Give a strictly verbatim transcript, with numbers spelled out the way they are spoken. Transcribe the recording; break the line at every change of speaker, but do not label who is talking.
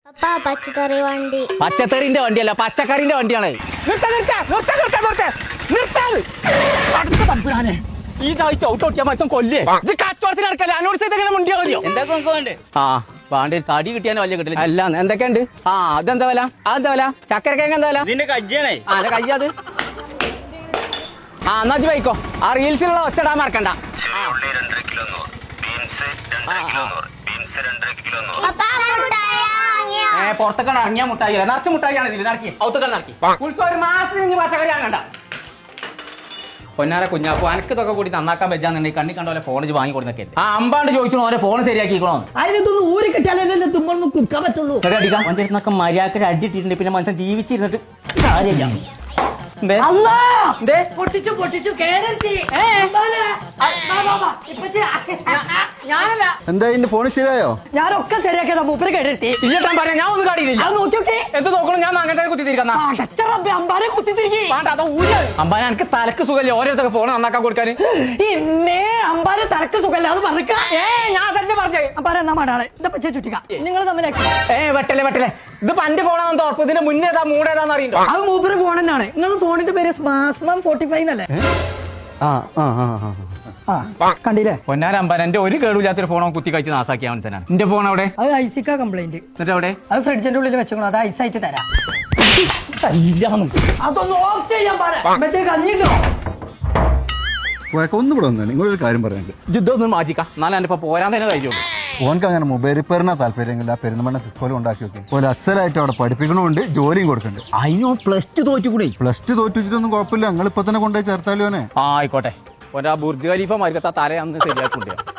പപ്പാ പച്ചക്കറി വണ്ടി.
പച്ചക്കറിന്റെ വണ്ടിയല്ല, പച്ചക്കറിന്റെ വണ്ടിയാണ്. ഈ ചാഴ്ച ഔട്ടോട്ടിയാ മച്ചം കൊല്ലേ കച്ചവടത്തിന് നടക്കല്ലേ അനോട് ചെയ്തെങ്ങനെ മുണ്ടിയാ മതിയോ?
എന്തൊക്കെ നമുക്ക് വേണ്ടേ?
ആ വേണ്ട തടി കിട്ടിയാലും വലിയ കിട്ടില്ല. അല്ല എന്തൊക്കെയുണ്ട്? ആ അതെന്താ വില? അതെന്താ വില? ചക്കരക്കേങ്ങ എന്താ വില?
ഇതിന്റെ കജ്ജിയാണേ.
ആ അതെ കയ്യത്. ആ എന്നാ വൈക്കോ. ആ റീൽസിലുള്ള ഒച്ചടാൻ മറക്കണ്ട. ഏ പുറത്തൊക്കെ ഇറങ്ങിയ മുട്ടായി നിറച്ച് മുട്ടായിയാണ് ഇതിൽ നടക്കി ഔത്തൊക്കെ നടക്കി ഉത്സവം ഒരു മാസത്തിന് ഇനി പച്ചക്കറി വാങ്ങണ്ട. പൊന്നാര കുഞ്ഞാപ്പു അനക്ക് ഇതൊക്കെ കൂടി നന്നാക്കാൻ പറ്റാന്നുണ്ടെങ്കിൽ കണ്ണി കണ്ട പോലെ ഫോൺ വാങ്ങി കൊടുത്തൊക്കെ ആ അമ്പാണ്ട് ചോദിച്ചോ ഓരോ ഫോൺ ശരിയാക്കിക്കണോ?
അതിനൊന്നും ഊരി കിട്ടിയാലേ തുമ്മൊന്നും കുക്കാൻ പറ്റുള്ളൂ.
അടിക്കാം പഞ്ചായത്തിനൊക്കെ മര്യാദക്ക് അടിയിട്ടിട്ടുണ്ട്. പിന്നെ മനുഷ്യൻ ജീവിച്ചിരുന്നിട്ട് കാര്യമില്ല.
പൊട്ടിച്ചു പൊട്ടിച്ചു കേരളത്തി ഞാനല്ല
എന്താ ഇതിന്റെ ഫോൺ ശരിയായോ?
ഞാനൊക്കെ ശരിയാക്കിയതാ. മൂപ്പര് കേട്ടി
ഇല്ലട്ടാൻ പറയാം ഞാൻ ഒന്നും കാണിയില്ല.
അത് നോക്കിയോക്കെ
എന്ത് നോക്കണം? ഞാൻ അങ്ങനെ കുത്തിത്തിരിക്കുന്ന
അമ്പാനെ കുത്തിത്തിരിക്കി
അമ്പാനെ എനിക്ക് തലക്ക് സുഖല്ലേ ഓരോരുത്തർക്ക് ഫോൺ നന്നാക്കാൻ കൊടുക്കാൻ.
ഇന്നേ അമ്പാനെ തലക്ക് സുഖല്ല അത് പറഞ്ഞ
ഏ ഞാൻ അതല്ലേ പറഞ്ഞേ.
അമ്പാനെ എന്നാ മാടാണ് ഇതാ പച്ച ചുറ്റിക്ക നിങ്ങൾ തമ്മിലേക്ക്
ഏ വെട്ടല്ലേ വെട്ടല്ലേ ഇത് പന്റെ ഫോണാണെന്ന് ഉറപ്പ്. ഇതിന്റെ മുന്നേതാ മൂടേതാന്ന് അറിയണ്ടോ?
അത് മൂപ്പര് ഫോൺ തന്നെയാണ്. നിങ്ങൾ ഫോണിന്റെ പേര് സ്മാസ്മാം ഫോർട്ടി ഫൈവ് എന്നല്ലേ?
ആ ആ ആ
ആ കണ്ടില്ലേ?
പൊന്നാര അമ്പാൻ എന്റെ ഒരു കേടുമില്ലാത്തൊരു ഫോണോ കുത്തി കഴിച്ച് നാസാക്കിയ മനസ്സിനാണ്. എന്റെ ഫോൺ അവിടെ
അത് ഐസിക്ക കംപ്ലൈന്റ്.
എന്നിട്ട് അവിടെ
അത് ഫ്രിഡ്ജിന്റെ ഉള്ളിൽ വെച്ചോളൂ. അത് ഐസായിട്ട് തരാം.
ഇല്ലാന്ന്
അതൊന്ന് ഓഫ് ചെയ്യാൻ പറയാം. കഞ്ഞില്ലോ
ഒന്നും ഇവിടെ വന്നു. നിങ്ങളൊരു കാര്യം പറയാനുണ്ട്.
യുദ്ധം ഒന്നും മാറ്റിക്കാം എന്നാലും എന്റെ ഇപ്പൊ പോരാൻ തന്നെ കഴിയുള്ളൂ.
ഓനക്ക് അങ്ങനെ മൊബൈൽ റിപ്പയറിനാ താല്പര്യമെങ്കിൽ ആ പെരുന്തമണ്ണ സിസ്കോലും ഉണ്ടാക്കി വെക്കും. പോലെ അക്സലായിട്ട് അവിടെ പഠിപ്പിക്കണമുണ്ട്, ജോലിയും കൊടുക്കുന്നുണ്ട്.
അതിനോ പ്ലസ് ടു തോറ്റുകൂടെ?
പ്ലസ് ടു തോറ്റിട്ടൊന്നും കുഴപ്പമില്ല. നിങ്ങൾ ഇപ്പൊ തന്നെ കൊണ്ടുപോയി ചേർത്താലോനെ.
ആ ആയിക്കോട്ടെ. ഒരാ ബുർജ് ഖലീഫ മരിക്കത്ത തല അന്ന് ശരിയാക്കിണ്ട്.